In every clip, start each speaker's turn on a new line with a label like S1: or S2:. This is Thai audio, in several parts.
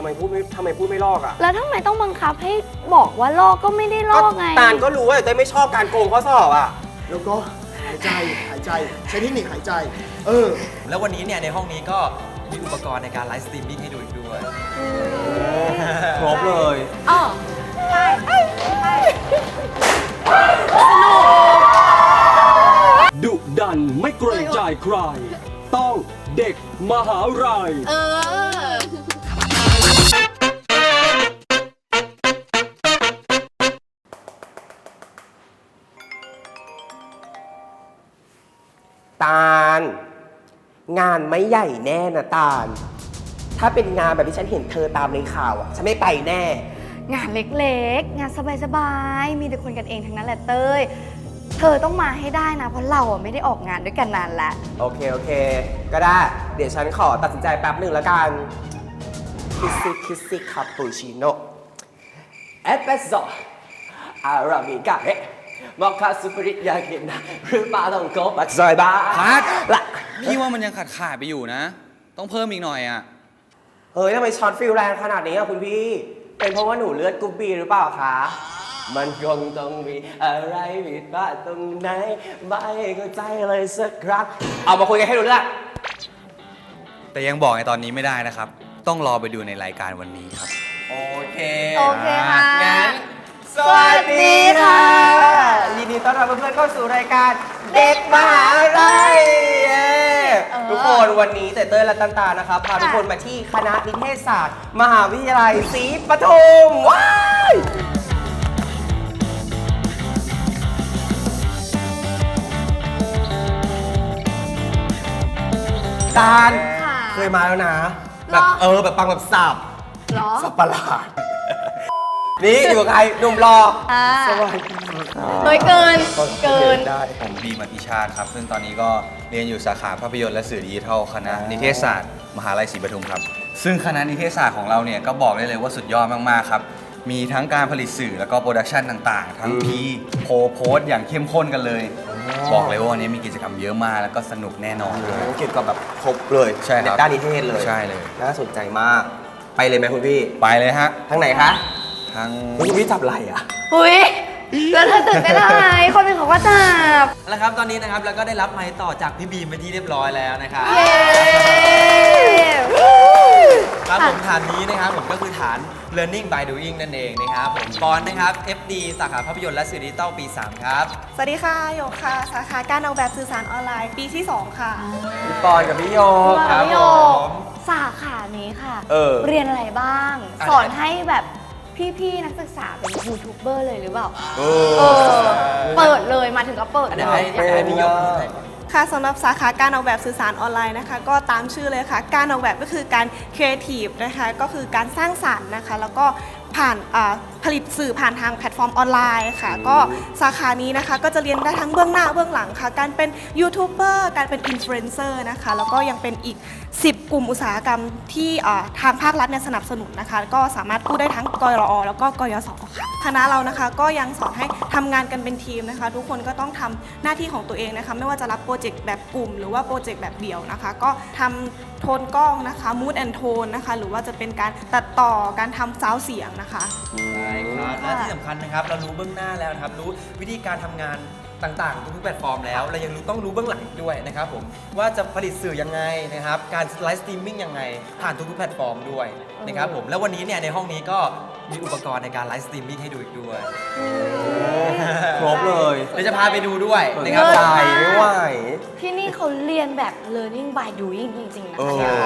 S1: ทำไมพูดไม่ลอกอ่ะ
S2: แล้วทำไมต้องบังคับให้บอกว่าลอกก็ไม่ได้ลอกไง
S1: ตาลก็รู้ว่าเต้ยไม่ชอบการโกงข้อสอบอ่ะ
S3: แล้วก็หายใจใช้เทคนิคหายใจ
S4: แล้ววันนี้เนี่ยในห้องนี้ก็มีอุปกรณ์ในการไลฟ์สตรีมมิ่งให้ดูอีกด้วย
S1: ครบเลย
S2: อ๋อใช่
S5: ดุดันไม่เกรงใจใคร ต้องเด็กมหาลัย
S1: ตาลงานไม่ใหญ่แน่นะตาลถ้าเป็นงานแบบที่ฉันเห็นเธอตามในข่าวอ่ะฉันไม่ไปแน่
S2: งานเล็กๆงานสบายๆมีแต่คนกันเองทั้งนั้นแหละเต้ยเธอต้องมาให้ได้นะเพราะเราไม่ได้ออกงานด้วยกันนานแล้ว
S1: โอเคก็ได้เดี๋ยวฉันขอตัดสินใจแป๊บหนึ่งแล้วกันคิสซี่คาปูชิโน่เอสเปรสโซ่อาราบิก้าเฮมอคคาซูปริยากินะหรือปลาต้องโกบักซอยบ้า
S4: พัด
S1: ละ
S4: พี่ว่ามันยังขาดไปอยู่นะต้องเพิ่มอีกหน่อยอ่ะ
S1: เฮ้ยทำไมช็อตฟิลแรงขนาดนี้อ่ะคุณพี่เป็นเพราะว่าหนูเลือดกรุ๊ปบีหรือเปล่าคะมันคงต้องมีอะไรผิดพลาดตรงไหนไม่เข้าใจเลยสักครั้งเอามาคุยกันให้รู้เรื่อง
S4: แต่ยังบอกในตอนนี้ไม่ได้นะครับต้องรอไปดูในรายการวันนี้ครับ
S1: โอเค
S2: ค่ะ
S1: งั้นสวัสดีค่ะยินดีต้อนรับเพื่อนๆเข้าสู่รายการเด็กมหาลัยทุกคนวันนี้เต้ยและตันตานะครับพาทุกคนมาที่คณะนิเทศศาสตร์มหาวิทยาลัยศรีปทุมว้ายตาลเคยมาแล้วนะแบบแบบปังแบบสับสับประหลาดนี่อยู่กับใครหนุ่มรอสวัสดี
S2: เฮ้ยเกิน
S4: ได้ผมบีมอธิชาติครับซึ่งตอนนี้ก็เรียนอยู่สาขาภาพยนตร์และสื่อดิจิทัลคณะนิเทศศาสตร์มหาลัยศรีปทุมครับซึ่งคณะนิเทศศาสตร์ของเราเนี่ยก็บอกได้เลยว่าสุดยอดมากๆครับมีทั้งการผลิตสื่อแล้วก็โปรดักชันต่างๆทั้งโพสอย่างเข้มข้นกันเลยบอกเลยว่าวันนี้มีกิจกรรมเยอะมากแล้วก็สนุกแน่นอนเลย
S1: เกี่ยวกับแบบครบเลย
S4: ใช่ครับ
S1: ด้านนิเทศเลย
S4: ใช่เลย
S1: น่าสนใจมากไปเลยไหมคุณพี่
S4: ไปเลยฮะ
S1: ทางไหนคะ
S4: ทาง
S1: คุณพี่จับไหล่อ่ะ
S2: หุ้ยแล้วเธอตื่นเต้นอะไรคนเป็นของว่าจับ
S4: แล้วครับตอนนี้นะครับเราก็ได้รับไมค์ต่อจากพี่บีมไปที่เรียบร้อยแล้วนะครับครับผมฐานนี้นะครับผมก็คือฐาน Learning by Doing นั่นเองนะครับผมปอนนะครับ FD สาขาภาพยนตร์และสื่อดิจิทัลปี 3 ครับ
S6: สวัสดีค่ะโยกค่ะสาขาการออกแบบสื่อสารออนไลน์ปีที่ 2 ค่ะ
S1: พี่ปอนกับพี่โย
S2: ครับผมสาขานี้ค่ะเรียนอะไรบ้างสอนให้แบบพี่ๆนักศึกษาเป็นยูทูบเบอร์เลยหรือเปล่าเปิดเลยมาถึงก็เปิดเลย
S1: ให้พี่โย
S6: ค่ะสำหรับสาขาการออกแบบสื่อสารออนไลน์นะคะก็ตามชื่อเลยค่ะการออกแบบก็คือการครีเอทีฟนะคะก็คือการสร้างสรรค์นะคะแล้วก็ผ่านผลิตสื่อผ่านทางแพลตฟอร์มออนไลน์ค่ะก็สาขานี้นะคะก็จะเรียนได้ทั้งเบื้องหน้าเบื้องหลังค่ะการเป็นยูทูบเบอร์การเป็นอินฟลูเอนเซอร์นะคะแล้วก็ยังเป็นอีก10 กลุ่มอุตสาหกรรมที่ทางภาครัฐเนี่ยสนับสนุนนะคะก็สามารถกู้ได้ทั้งกรอแล้วก็กยศค่ะคณะเรานะคะก็ยังสอนให้ทำงานกันเป็นทีมนะคะทุกคนก็ต้องทำหน้าที่ของตัวเองนะคะไม่ว่าจะรับโปรเจกต์แบบกลุ่มหรือว่าโปรเจกต์แบบเดี่ยวนะคะก็ทำโทนกล้องนะคะมูดแอนโทนนะคะหรือว่าจะเป็นการตัดต่อการทำซาวด์เสียงนะคะ
S4: ใช่ครับและที่สำคัญนะครับเรารู้เบื้องหน้าแล้วนะครับรู้วิธีการทำงานต่างๆทุกแพลตฟอร์มแล้วเรายังต้องรู้เบื้องหลังด้วยนะครับผมว่าจะผลิตสื่อยังไงนะครับการไลฟ์สตรีมมิ่งยังไงผ่านทุกแพลตฟอร์มด้วยนะครับผมแล้ววันนี้เนี่ยในห้องนี้ก็มีอุปกรณ์ในการไลฟ์สตรีมมิ่งให้ดูอีกด้วย
S1: ครบเลย
S4: เดี๋ยวจะพาไปดูด้วยนะครับ
S1: ไม่ไหว
S2: ที่นี่เขาเรียนแบบ learning by doing จริงๆนะ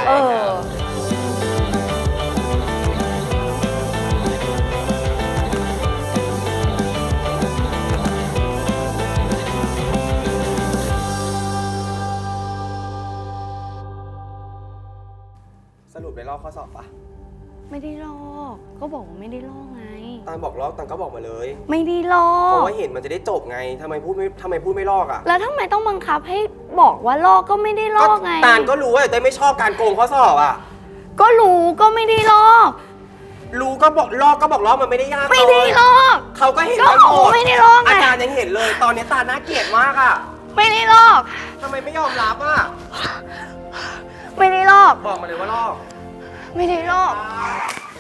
S1: สรุปได้ลอกข้อสอบปะ
S2: ไม่ได้ลอกก็บอกว่าไม่ได้ลอกไง
S1: ตามบอกลอกตามก็บอกมาเลย
S2: ไม่ได้ลอก
S1: เพราะว่าเห็นมันจะได้จบไงทำไมพูดไม่ลอกอ่ะ
S2: แล้วทำไมต้องบังคับให้บอกว่าลอกก็ไม่ได้ลอกไง
S1: ตาลก็รู้ว่าเต้ยไม่ชอบการโกงข้อสอบอ่ะ
S2: ก็รู้ก็ไม่ได้ลอก
S1: รู้ก็บอกลอกมันไม่ได้ยาก
S2: ไม่ได้ลอก
S1: เขาก็เห็นกันหมด
S2: ไม่ได้ลอก
S1: อาจารย์ยังเห็นเลยตอนนี้ตาน่าเกลียดมากอ่ะ
S2: ไม่ได้ลอก
S1: ทำไมไม่ยอมรับอ่ะ
S2: ไม่ได้ลอก
S1: บอกมาเลยว่าลอก
S2: ไม่ได้ลอก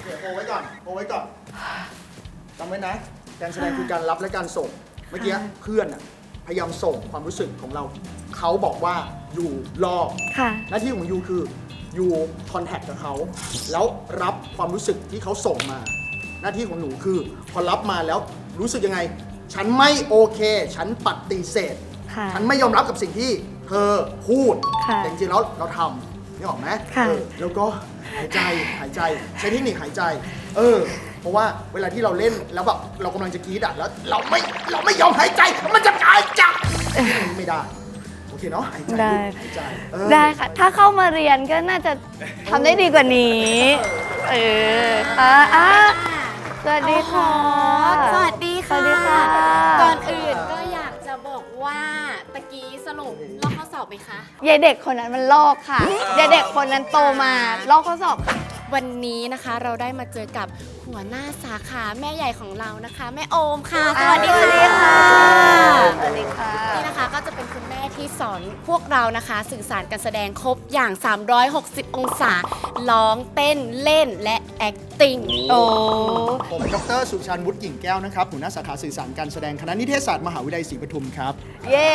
S3: เอาไว้ก่อนจำไว้นะ การแสดงคือการรับและการส่ง เมื่อกี้เพื่อนอะพยายามส่งความรู้สึกของเรา เขาบอกว่าอยู่รอ
S2: ค่ะ
S3: หน้าที่ของยูคือยูคอนแทคกับเขาแล้วรับความรู้สึกที่เขาส่งมา หน้าที่ของหนูคือพอรับมาแล้วรู้สึกยังไง ฉันไม่โอเค ฉันปฏิเสธ
S2: ค่ะ
S3: ฉันไม่ยอมรับกับสิ่งที่เธอพูด
S2: ค่ะ
S3: แต่จริงๆแล้วเราทำนี่ออกไหม
S2: ค่ะ
S3: แล้วก็หายใจใช้เทคนิคหายใจ เพราะว่าเวลาที่เราเล่นแล้วแบบเรากำลังจะกรี๊ดอะแล้วเราไม่ยอมหายใจมันจะหายใจไม่ได้โอเคเนาะหายใจ
S2: ได้
S3: หายใจ
S2: ได้ค่ะ ถ้าเข้ามาเรียนก็น่าจะทำได้ดีกว่านี้ สวัสดีค่ะ
S7: สวัสดี
S2: ส
S7: ค่ะ
S2: วัสดีค่ะ
S7: ก่อนอื่นก็อยากจะบอกว่าตะกี้สรุปลอกข้อสอบไหมคะ
S2: ยายเด็กคนนั้นมันลอกค่ะยายเด็กคนนั้นโตมาลอกข้อสอบค่ะ
S7: วันนี้นะคะเราได้มาเจอกับหัวหน้าสาขาแม่ใหญ่ของเรานะคะ แม่โอมค่ะ สวัสดีค่ะ
S2: สวัสดีค่ะ
S7: นี่นะคะก็จะเป็นคุณแม่ที่สอนพวกเรานะคะ สื่อสารการแสดงครบอย่าง 360 องศาร้องเต้นเล่นและ acting
S2: โอ้
S3: ผมดรสุชาญวุฒิกิ่งแก้วนะครับหัวหน้าสาขาสื่อสารการแสดงคณะนิเทศศาสตร์มหาวิทยาลัยศรีปทุมครับ
S2: เย้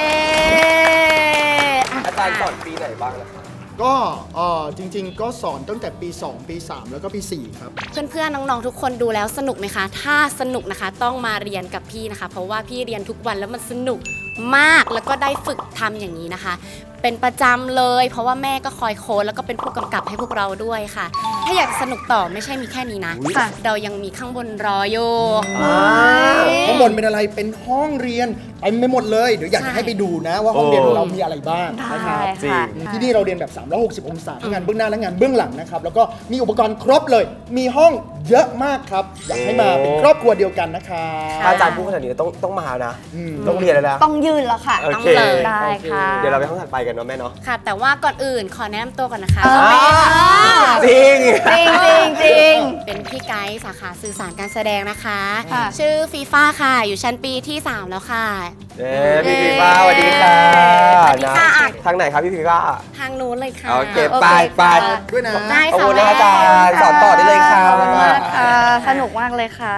S1: อาจารย์สอนปีไหนบ้างนะครับ
S3: ก็จริงๆ ก็สอนตั้งแต่ปี 2 ปี 3 แล้วก็ปี 4 ครับ
S7: เพื่อนๆ น้องๆ ทุกคนดูแล้วสนุกไหมคะ ถ้าสนุกนะคะต้องมาเรียนกับพี่นะคะ เพราะว่าพี่เรียนทุกวันแล้วมันสนุกมาก แล้วก็ได้ฝึกทำอย่างนี้นะคะ เป็นประจำเลย เพราะว่าแม่ก็คอยโค้ชแล้วก็เป็นผู้กำกับให้พวกเราด้วยค่ะ ถ้าอยากสนุกต่อไม่ใช่มีแค่นี้นะ
S2: ค่ะ
S7: เรายังมีข้างบนรออยู่
S3: ข้างบนเป็นอะไรเป็นห้องเรียนเต็มไปหมดเลย เดี๋ยวอยากจะให้ไปดูนะว่าห้องเรียนของเรามีอะไรบ้างนะครับ
S2: ได้ค่ะ
S3: ที่นี่เราเรียนแบบ 360 องศาทั้งงานเบื้องหน้าและงานเบื้องหลังนะครับ แล้วก็มีอุปกรณ์ครบเลย มีห้องเยอะมากครับ อยากให้มาเป็นครอบครัวเดียวกันนะครับ
S1: อาจารย์พูดขนาดนี้ต้องมานะ
S3: อืม
S1: ต้องเรียนแล้วนะ
S2: ต้องยืนแล้วค่ะ
S1: โอ
S7: ต้อง
S1: เค
S7: เลย
S2: ได้ค่ะ
S1: เดี๋ยวเราไปห้องถัดไปกันเนาะแม่เนาะ
S7: ค่ะ แต่ว่าก่อนอื่นขอแนะนำตัวก่อนนะคะ
S1: จริง
S2: จริงจริงจริง
S7: เป็นพี่ไกด์สาขาสื่อสารการแสดงนะคะ
S2: ค่ะ
S7: ชื่อฟีฟ่าค่ะ อยู่ชั้นปีที่ 3 แล้วค่ะ
S1: พี่พีฟ้าสวัสดีค่ะ
S7: สวัสดีค่ะ
S1: ทางไหนครับพี่พีฟ้า
S7: ทางนู้นเลยค่ะ
S1: โอเค
S2: โอเค
S1: ไปไป
S2: ค่ะ
S3: ด้วยนะ
S7: ได้
S1: ขอบ
S7: ค่ะ
S1: คุณนะอาจารย์สอนต่อได้เลยค่ะ
S2: ขอบคุณมากค่ะ สนุกมากเลยค่ะ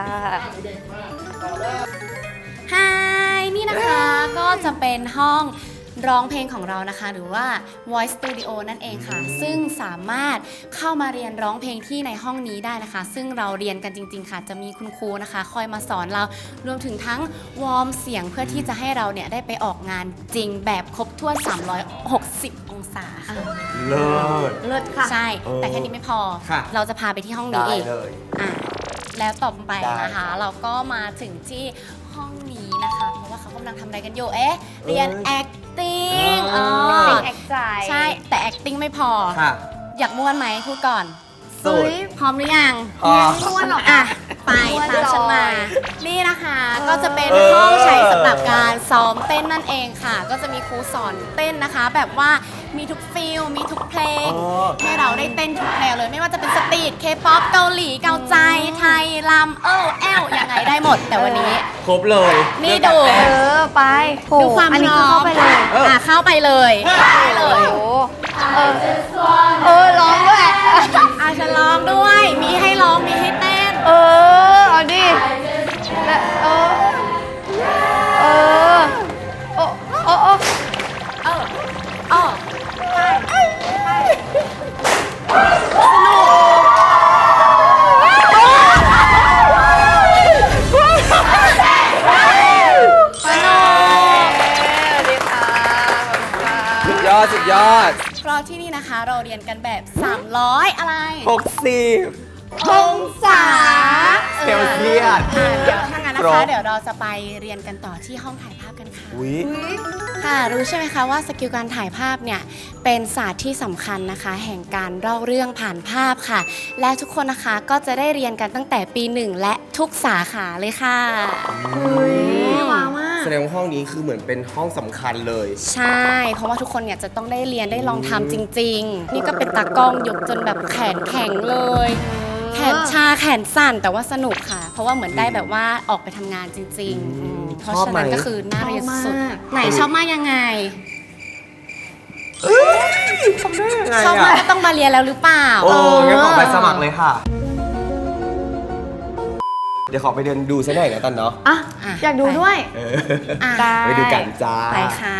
S7: ฮายนี่นะคะก็จะเป็นห้องร้องเพลงของเรานะคะ หรือว่า Voice Studio นั่นเองค่ะ ซึ่งสามารถเข้ามาเรียนร้องเพลงที่ในห้องนี้ได้นะคะ ซึ่งเราเรียนกันจริง ๆ ค่ะ จะมีคุณครูนะคะ คอยมาสอนเรารวมถึงทั้งวอร์มเสียงเพื่อที่จะให้เราเนี่ยได้ไปออกงานจริงแบบครบถ้วน 360 องศาค่ะ
S1: เลิศ
S2: เลิศค่ะ
S7: ใช่ แต่แค่นี้ไม่พอ
S1: ค่ะ
S7: เราจะพาไปที่ห้องนี้
S1: ได้
S7: เอง
S1: เลย
S7: อ่ะแล้วต่อไป
S1: ได้
S7: นะคะ เราก็มาถึงที่ห้องนี้นะคะ เพราะว่าเขากำลังทำอะไรกันอยู่ เอ๊ะ เรียน acting อ๋อ
S2: แอคใจ
S7: ใช่ แต่ acting ไม่พอ
S1: ค่ะ
S7: อยากม่วนไหมพูดก่อน
S1: สุด
S7: พร้อมหรือยัง
S1: พร้อม
S7: ไม่ม่วนหรอกอ่ะ ไปตามฉันมา นี่นะคะ ก็จะเป็น
S1: เออ
S7: ห้องใช้สำหรับการซ้อมเต้นนั่นเองค่ะ ก็จะมีครูสอนเต้นนะคะ แบบว่ามีทุกฟิลมีทุกเพลง
S1: อ๋อ
S7: ให้เราได้เต้นทุกแนวเลย ไม่ว่าจะเป็นสตรีทเคป๊อปเกาหลีเกาใจไทยลำแอลยังไงได้หมด แต่วันนี้
S1: ครบเลย
S7: นี่ดู
S2: ไปโห
S7: ดูความ
S2: อันนี้
S7: พร้
S2: คือ
S7: อ
S2: เข้าม ไปเลย
S7: เข้าไปเลยได้เล
S2: โอ้
S7: ย
S2: โหร้องด้วย
S7: ฉันร้องด้วย มีให้ร้องมีให้เต้น
S2: เอาดิและโอ้โอ้โอ้
S7: อ๋อ
S1: สุดยอดสุดยอด
S7: เพราะที่นี่นะคะเราเรียนกันแบบ 300 อะไร
S1: 60
S7: องศา
S1: เซลเซียส
S7: เดี๋ยวถ้างั้นนะ
S1: คร
S7: คะ
S1: บ
S7: เดี๋ยวเราจะไปเรียนกันต่อที่ห้องถ่ายภาพกันค่ะ
S1: อุ้ย
S7: ค่ะ รู้ใช่ไหมคะว่าสกิลการถ่ายภาพเนี่ยเป็นศาสตร์ที่สำคัญนะคะ แห่งการเล่าเรื่องผ่านภาพค่ะ และทุกคนนะคะก็จะได้เรียนกันตั้งแต่ปี 1 และทุกสาขาเลยค่ะว้าวมาก
S1: แสดงว่าห้องนี้คือเหมือนเป็นห้องสำคัญเลย
S7: ใช่ เพราะว่าทุกคนเนี่ยจะต้องได้เรียนได้ลองทำจริง ๆ นี่ก็เป็นตากล้องยกจนแบบแขนแข็งเลย แขนชาแขนสั่นแต่ว่าสนุกค่ะ เพราะว่าเหมือนได้แบบว่าออกไปทำงานจริงๆเพราะฉะนั้นก็คือน่าเรียนสุดไหนชอบมากยังไง
S1: ทำได้ยังไง
S7: ชอบมาก
S1: อ่ะ
S7: ก็ต้องมาเรียนแล้วหรือเปล่า
S1: โอ้งั้นขอไปสมัครเลยค่ะเดี๋ยวขอไปเดินดูซะหน่อยนะตันเนาะ
S2: อ่ะ อยากดูด้วย
S7: อ่ะ
S2: ได้
S1: ไปดูกันจ้า
S7: ไปค่ะ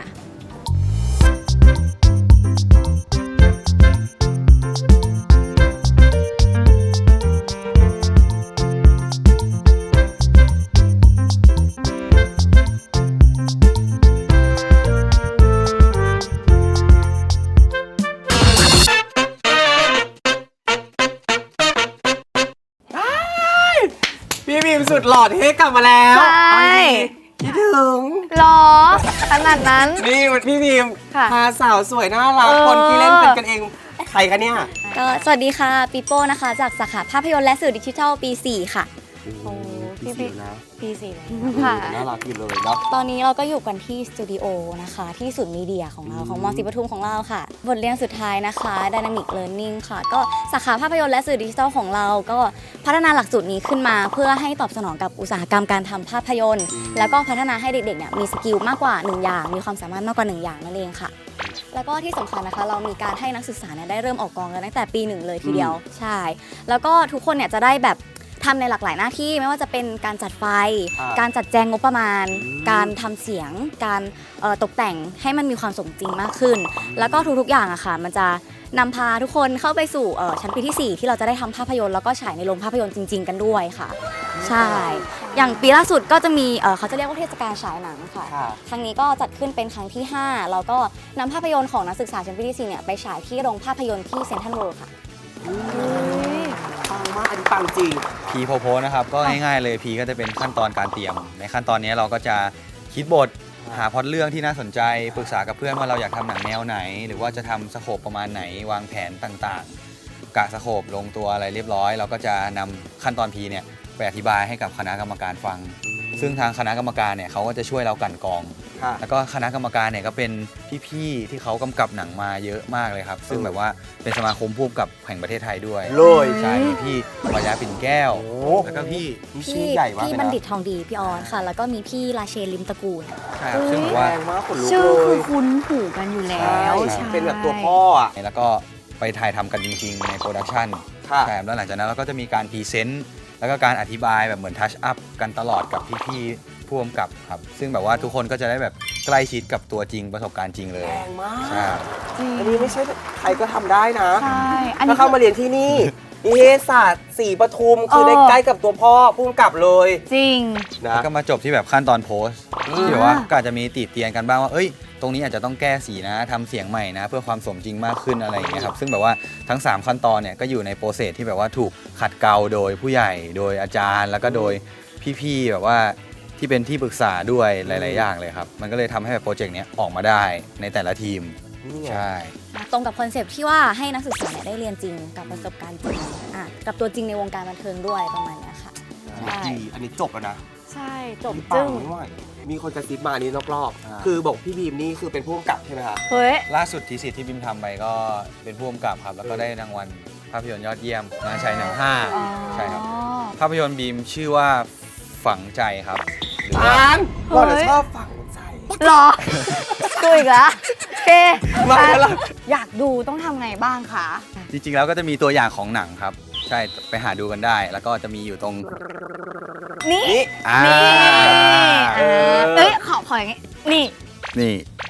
S1: พี่บีมสุดหล่อเท่กลับมาแล้ว
S2: ใช่
S1: คิดถึง
S2: หรอขนาดนั้น
S1: นี่พี่บีม
S2: ค่ะ
S1: พาสาวสวยน่ารัก คนที่เล่นเป็นกันเองใครคะเนี่ย
S8: ก็สวัสดีค่ะปีโป้นะคะจากสาขาภาพยนตร์และสื่อดิจิทัลปี 4 ค่ะ
S2: โอ้พี่
S1: พี่
S2: บิ๊ก
S1: นะ
S2: ปีสี่ค่ะ
S1: น่ารักอยู่เลยเนาะ
S8: ตอนนี้เราก็อยู่กันที่สตูดิโอนะคะที่ศูนย์มีเดียของเราของมศรีปทุมของเราค่ะ บทเรียนสุดท้ายนะคะ Dynamic Learning ค่ะ ก็สาขาภาพยนตร์และสื่อดิจิทัลของเราก็พัฒนาหลักสูตรนี้ขึ้นมาเพื่อให้ตอบสนองกับอุตสาหกรรมการทำภาพยนตร์ แล้วก็พัฒนาให้เด็กๆเนี่ยมีสกิลมากกว่า 1 อย่าง มีความสามารถมากกว่า 1 อย่างนั่นเองค่ะ แล้วก็ที่สำคัญนะคะเรามีการให้นักศึกษาเนี่ยได้เริ่มออกกองกันตั้งแต่ปี 1เลยทีเดียวใช่แล้วก็ทุกคนเนี่ยจะได้แบบทำในหลากหลายหน้าที่ไม่ว่าจะเป็นการจัดไฟ การจัดแจงงบประมาณ การทำเสียง การตกแต่งให้มันมีความสมจริงมากขึ้น แล้วก็ทุกๆอย่างอะค่ะมันจะนำพาทุกคนเข้าไปสู่ชั้นปีที่ 4 ที่เราจะได้ทำภาพยนตร์แล้วก็ฉายในโรงภาพยนตร์จริง ๆ กันด้วยค่ะใช่อย่างปีล่าสุดก็จะมีเขาจะเรียกว่าเทศกาลฉายหนังค่ะครั้งนี้ก็จัดขึ้นเป็นครั้งที่ 5 แล้วก็นำภาพยนตร์ของนักศึกษาชั้นปีที่ 4 เนี่ยไปฉายที่โรงภาพยนตร์ที่เซ็นทรัลเวิลด์ค่ะ
S1: ปังมากอันนี้ปังจริง
S4: พีโพโพนะครับก็ง่ายๆเลยพีก็จะเป็นขั้นตอนการเตรียม ในขั้นตอนนี้เราก็จะคิดบทหาพล็อตเรื่องที่น่าสนใจปรึกษากับเพื่อนว่าเราอยากทำหนังแนวไหน หรือว่าจะทำสโคปประมาณไหนวางแผนต่างๆกะสโคปลงตัวอะไรเรียบร้อย เราก็จะนำขั้นตอนพีเนี่ยไปอธิบายให้กับคณะกรรมการฟัง ซึ่งทางคณะกรรมการเนี่ยเขาก็จะช่วยเรากลั่นกรอง
S1: ค่ะ
S4: แล้วก็คณะกรรมการเนี่ยก็เป็นพี่ๆที่เขากำกับหนังมาเยอะมากเลยครับ ซึ่งแบบว่าเป็นสมาคมผู้กำกับแห่งประเทศไทยด้วย
S1: เลย
S4: ใช่มีพี่วายาปิ่นแก้ว
S1: โอ้
S4: แล้วก็พี่
S1: นี่ชื่อใหญ่มาก
S8: พี่
S1: เลย
S8: บัณ
S1: นะ
S8: ฑิตทองดีพี่ออนค่ะ แล้วก็มีพี่ราเชนลิมตระกูล
S4: ใช่ครับซึ่งแบบว่า
S1: แรงมากขนลุก
S2: ชื่อ
S1: เล
S2: คื
S1: ย
S2: อคุ้นหูกันอยู่แล้ว
S1: ใช่เป็นแบบตัวพ่ออ่ะ
S4: แล้วก็ไปถ่ายทำกันจริงๆในโปรดักชัน
S1: ค่ะ
S4: ใช่แล้วหลังจากนั้นเราก็จะมีการพรีเซนต์แล้วก็การอธิบายแบบเหมือนทัชอัพกันตลอดกับพี่ๆผู้กำกับครับซึ่งแบบว่าทุกคนก็จะได้แบบใกล้ชิดกับตัวจริงประสบการณ์จริงเลย
S1: แรงมาก
S4: ใช่
S2: จริง
S1: อันนี้ไม่ใช่ใครก็ทำได้นะ
S2: ใช่อัน
S1: ถ้า
S2: นี้
S1: เข้ามาเรียนที่นี่นิเทศศาสตร์ศรีปทุมคือได้ใกล้กับตัวพ่อผู้กำกับเลย
S2: จริง
S1: นะ
S4: แล้วก็มาจบที่แบบขั้นตอนโพสต์ที่แบบว่าก็อาจจะมีติเตียนกันบ้างว่าเอ้ยตรงนี้อาจจะต้องแก้สีนะทำเสียงใหม่นะ เพื่อความสมจริงมากขึ้นอะไรอย่างเงี้ยครับซึ่งแบบว่าทั้ง 3 ขั้นตอนเนี่ยก็อยู่ในโปรเซสที่แบบว่าถูกขัดเกลาโดยผู้ใหญ่โดยอาจารย์ แล้วก็โดยพี่ๆแบบว่าที่เป็นที่ปรึกษาด้วยหลายๆอย่างเลยครับมันก็เลยทำให้แบบโปรเจกต์เนี้ยออกมาได้ในแต่ละทีม
S1: นี่ไง
S4: ใช่
S8: ตรงกับคอนเซปต์ที่ว่าให้นักศึกษาเนี่ยได้เรียนจริงกับประสบการณ์จริงกับตัวจริงในวงการบันเทิงด้วยประมาณเนี้ยค่ะใช่
S1: ดีอันนี้จบแล้วนะ
S2: ใช่จบ
S1: ปั
S2: จึ้
S1: ง
S2: ง
S1: ไม่ไหวมีคนกระซิบมาอันนี้รอบๆคือบอกพี่บีมนี่คือเป็นผู้กำกับใช่ไหมคะ
S2: เฮ้ย
S4: ล่าสุดทีสิทธิ์ที่บิมทำไปก็เป็นผู้กำกับครับแล้วก็ได้รางวัลภาพยนตร์ยอดเยี่ยมงานฉายหนัง5ใช่ครับ ภาพยนตร์บีมชื่อว่าฝังใจครับหรือว่า
S1: อ่านเราจะชอบฝังใจ
S2: หรอดูอีกแล้วโอเค
S1: มาแล้ว
S2: อยากดูต้องทำไงบ้างคะ
S4: จริงๆแล้วก็จะมีตัวอย่างของหนังครับ ใช่ไปหาดูกันได้ แล้วก็จะมีอยู่ตรง
S2: นี่
S1: นี่
S4: อ่า
S2: นี่เอ้ยขออย่างงี้นี่
S4: นี่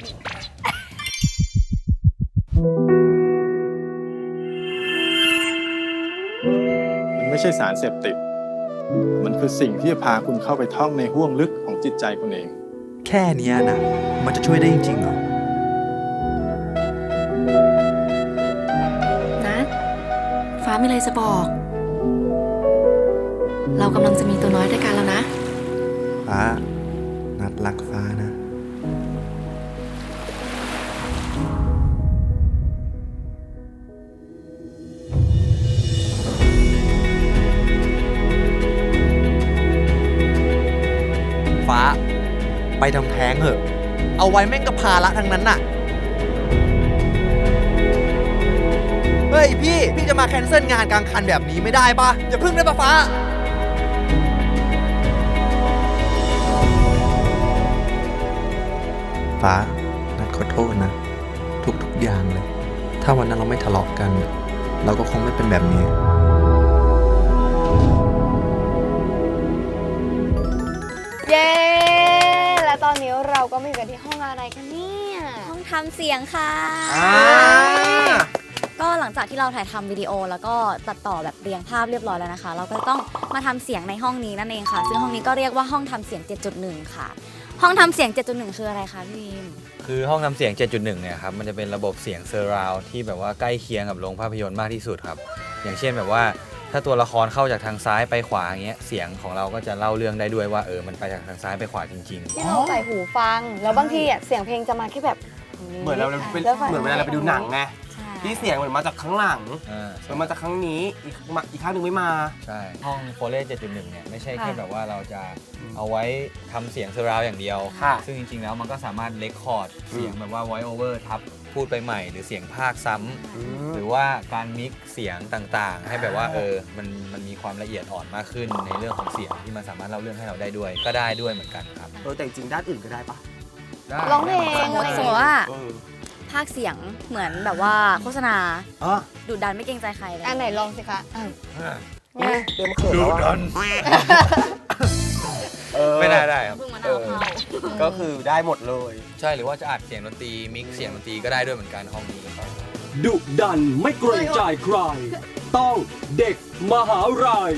S9: มันไม่ใช่สารเสพติด มันคือสิ่งที่จะพาคุณเข้าไปท่องในห้วงลึกของจิตใจคุณเอง
S10: แค่เนี้ยนะ มันจะช่วยได้จริงๆเหรอ
S11: นะฟ้ามีอะไรจะบอก เรากำลังจะมีตัวน้อยด้วยกันแล้วนะ
S10: ฟ้า นัดรักฟ้านะ ฟ้า ไปทำแท้งเหอะ เอาไว้แม่งกับภาระทั้งนั้นน่ะ เฮ้ยพี่จะมาแคนเซิลงานกลางคันแบบนี้ไม่ได้ปะอย่าพึ่งได้ปะฟ้า ฟ้า นัดขอโทษนะ ทุกอย่างเลย ถ้าวันนั้นเราไม่ทะเลาะกัน เราก็คงไม่เป็นแบบนี้
S2: อะไรกันเนี่ย
S8: ห้องทำเสียงค่ะ ก็หลังจากที่เราถ่ายทำวิดีโอแล้วก็ตัดต่อแบบเรียงภาพเรียบร้อยแล้วนะคะ เราก็ต้องมาทำเสียงในห้องนี้นั่นเองค่ะ ซึ่งห้องนี้ก็เรียกว่าห้องทำเสียง 7.1 ค่ะ ห้องทำเสียง 7.1 คืออะไรคะพี่บีม
S4: คือห้องทำเสียง 7.1 เนี่ยครับ มันจะเป็นระบบเสียงเซอร์ราวด์ที่แบบว่าใกล้เคียงกับโรงภาพยนตร์มากที่สุดครับ อย่างเช่นแบบว่าถ้าตัวละครเข้าจากทางซ้ายไปขวาอย่างเงี้ย เสียงของเราก็จะเล่าเรื่องได้ด้วยว่ามันไปจากทางซ้ายไปขวาจริง
S2: ที่เราใส่หูฟัง แล้วบางทีอ่ะเสียงเพลงจะมาแค่แบบ
S1: เหมือนเราเป็นเหมือนเวลาเราไปดูหนังไงที่เสียงเหมือนมาจากข้างหลัง
S4: ๆ
S1: มันมาจากข้างนี้อีกข้างหนึ่งไม่มา
S4: ใช่ ห้องโฟเล่ 7.1 เนี่ยไม่ใช่แค่แบบว่าเราจะเอาไว้ทำเสียงเซอร์ราวด์อย่างเดียว
S1: ค่ะ
S4: ซึ่งจริงๆ แล้วมันก็สามารถเรคคอร์ดเสียงแบบว่า voice over ทับพูดไปใหม่หรือเสียงภาคซ้ำหรือว่าการมิกซ์เสียงต่างๆ ให้แบบว่ามันมีความละเอียดอ่อนมากขึ้นในเรื่องของเสียงที่มันสามารถเล่าเรื่องให้เราได้ด้วยก็ได้ด้วยเหมือนกันครับ
S1: แต่จริงๆด้านอื่นก็ได้ปะ
S4: ได้
S2: ร้องเพลง
S8: สมมติว่าภาคเสียงเหมือนแบบว่าโฆษณาดุดันไม่เกรงใจใครเลย
S2: อันไหนลองสิคะ
S1: เริ่มเขินแล้วอะ
S4: ไม่ได้ครับ
S8: เพิ่งมานั่งเข้า
S1: ก็คือได้หมดเลย
S4: ใช่หรือว่าจะอัดเสียงดนตรีมิกซ์เสียงดนตรีก็ได้ด้วยเหมือนกันห้องนี้ครับ
S5: ดุดันไม่เกรงใจใคร ต้องเด็กมหาลัย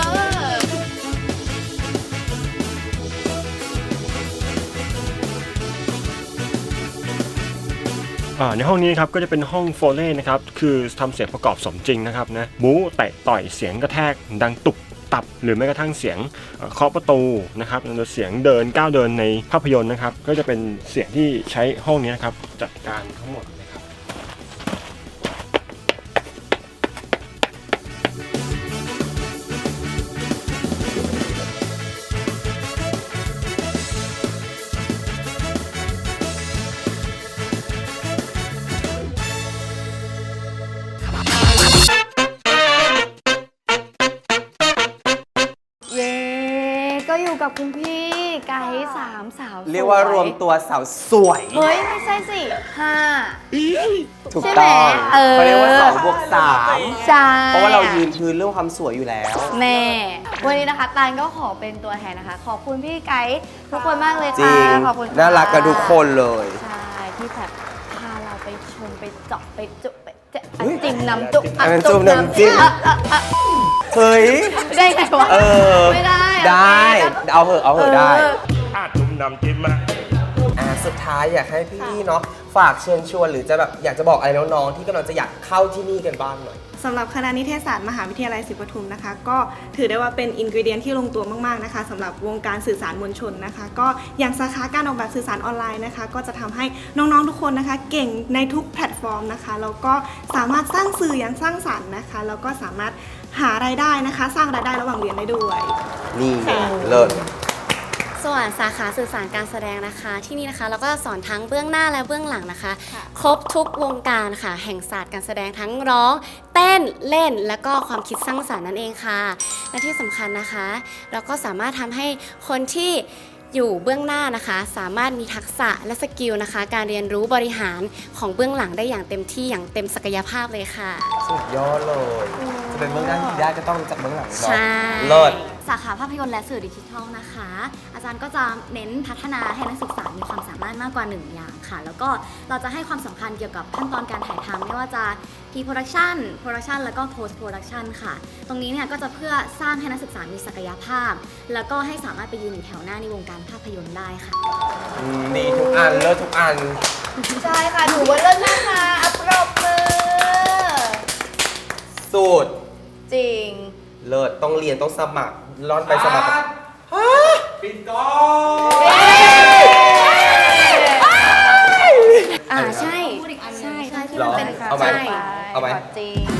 S12: ในห้องนี้นะครับก็จะเป็นห้องโฟเล่นะครับคือทำเสียงประกอบสมจริงนะครับนะบู๊เตะต่อยเสียงกระแทกดังตุบตับหรือแม้กระทั่งเสียงเคาะประตูนะครับหรือเสียงเดินก้าวเดินในภาพยนตร์นะครับก็จะเป็นเสียงที่ใช้ห้องนี้นะครับจัดการทั้งหมดนะครับ
S2: เย้ก็อยู่กับคุณพี่ไกด์3 สาวสวย
S1: เรียกว่ารวมตัวสาวสวย
S2: เฮ้ย ไม่ใช่สิ5
S1: ถูก
S2: ใช่ไหม
S1: ต้องเขาเรียกว่า2 บวก
S2: ใช่
S1: 3เพราะว่าเรายืนพื้นเรื่องความสวยอยู่แล้ว
S2: แน่ วันนี้นะคะตาลก็ขอเป็นตัวแทนนะคะ ขอบคุณพี่ไกด์ทุกคนมากเลย
S1: จริ
S2: ค่ะ
S1: ง
S2: ขอบคุณค่ะ
S1: น่ารักกันทุกคนเลย
S2: ใช่ที่แบบพาเราไปชมไปเจาะไปจุไปเจะ
S1: เฮ้ย
S2: จิ้มน้ำจุ
S1: อันนั้นจุ่มน้ำจิ้ม เฮ้ย
S2: ได้ไงวะ ไม่ได้
S1: ได้ เอาเหอะได้
S12: จุ่มน้ำจิ้มมา
S1: สุดท้ายอยากให้พี่เนาะฝากเชิญชวนหรือจะแบบอยากจะบอกอะไรน้องๆที่กำลังจะอยากเข้าที่นี่กันบ้างหน่อย
S6: สำหรับคณะนิเทศศาสตร์มหาวิทยาลัยศรีปทุมนะคะก็ถือได้ว่าเป็นอินกรีเดียนที่ลงตัวมากๆนะคะสำหรับวงการสื่อสารมวลชนนะคะก็อย่างสาขาการออกแบบสื่อสารออนไลน์นะคะก็จะทำให้น้องๆทุกคนนะคะเก่งในทุกแพลตฟอร์มนะคะแล้วก็สามารถสร้างสื่ออย่างสร้างสรรค์นะคะแล้วก็สามารถหารายได้นะคะสร้างรายได้ระหว่างเรียนได้ด้วย
S1: นี่ไงเลิศ
S7: ส่วนสาขาสื่อสารการแสดงนะคะที่นี่นะคะเราก็สอนทั้งเบื้องหน้าและเบื้องหลังนะคะ ครบทุกวงการค่ะแห่งศาสตร์การแสดงทั้งร้อง เต้นเล่นและก็ความคิดสร้างสรรค์นั่นเองค่ะและที่สำคัญนะคะ เราก็สามารถทำให้คนที่อยู่เบื้องหน้านะคะ สามารถมีทักษะและสกิลนะคะ การเรียนรู้บริหารของเบื้องหลังได้อย่างเต็มที่อย่างเต็มศักยภาพเลยค่ะ
S1: สุดยอดเลย จะเป็นเบื้องหน้าที่ดีได้ก็ต้องรู้จักเบื้องหลังเนาะ
S7: ใช่
S1: เลิศ
S8: สาขาภาพยนตร์และสื่อดิจิทัลนะคะ อาจารย์ก็จะเน้นพัฒนาให้นักศึกษามีความสามารถมากกว่า1อย่างค่ะ แล้วก็เราจะให้ความสำคัญเกี่ยวกับขั้นตอนการถ่ายทำไม่ว่าจะ pre-production production แล้วก็ post production ค่ะ ตรงนี้เนี่ยก็จะเพื่อสร้างให้นักศึกษามีศักยภาพ แล้วก็ให้สามารถไปยืนอยู่แถวหน้าในวงการภาพยนตร์ได้ค่ะ
S1: ดีทุกอันเลิศทุกอัน
S2: ใช่ค่ะถือว่าเลิศมากค่ะอัปรบมือ
S1: สูตร
S2: จริง
S1: เลิศต้องเรียนต้องสมัครร่อนไปสมัคร
S4: ปิดกล้อง
S7: ใช่
S8: พูดอีกอันหนึ่ง
S7: ใช่
S2: ใช่ที่
S1: หร
S2: มั
S1: อ
S2: นเป็น
S1: เอาไหม
S2: ใช่
S1: เอาไหม
S2: จริง